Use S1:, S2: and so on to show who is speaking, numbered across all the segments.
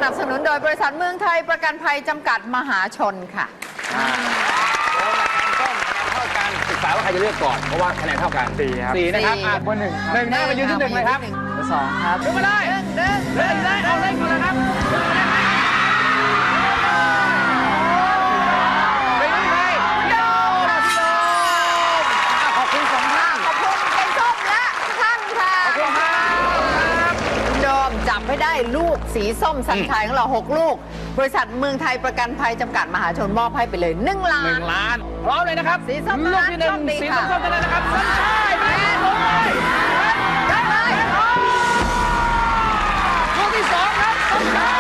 S1: นับสนุนโดยบริษัทเมืองไทยประกันภัยจำกัดมหาชนค่ะ
S2: แล้วคะแนนส้มคะแนนเท่ากันศึกษาว่าใครจะเลือกก่อนเพราะว่าคะแนนเท่ากัน
S3: 4 ครับ
S2: 4นะครับ
S3: เบอร์ 1 ครับ
S2: 1นะมายืนที่ 1เลยครับ
S3: เบอร์ 2 ครับ
S2: ยกมาเลยเดินเลยเอาเลยก่อนเลยครับไปที่ใครพี่โดมขอบคุณสองท่าน
S1: ขอบคุณเป็นส้มและท่านค่ะ
S2: ขอบคุณครับ
S1: คุณโดมจับให้ได้ลูกสีส้มสัญชัยของเรา6 ลูก บริษัทเมืองไทยประกันภัยจำกัดมหาชนมอบให้ไปเลย1 ล้าน
S2: 1 ล้านพร้อมเลยนะครับ
S1: สีส้ม
S2: ลูกที่
S1: โชคดี
S2: 1สี
S1: ค่ะ
S2: ส้มๆกันเลยนะครับสัญชัยแม่ลงเลยได้เลยลูกที่2ครับสัญชัย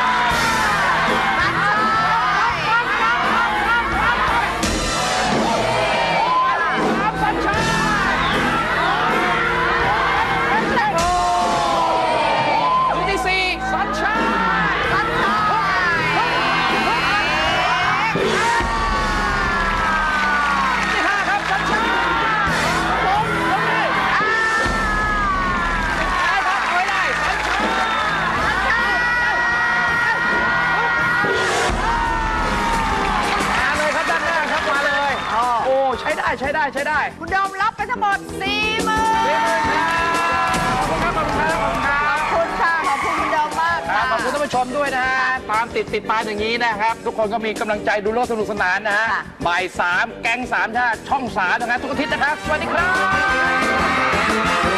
S2: ใช้ได้
S1: คุณโดมรับไปทั้งหมด40,000
S2: ขอบคุณครับขอบคุณครับ
S1: ขอบคุณค่ะขอบคุณคุณโดมมากค่ะ
S2: ขอบคุณท่านผู้ชมด้วยนะฮะตามติดตามอย่างนี้นะครับ ทุกคนก็มีกำลังใจดูโลกสนุกสนานนะฮะบ่าย 3แก๊ง 3 ชาติช่อง 3 นะครับทุกอาทิตย์นะครับ สวัสดีครับ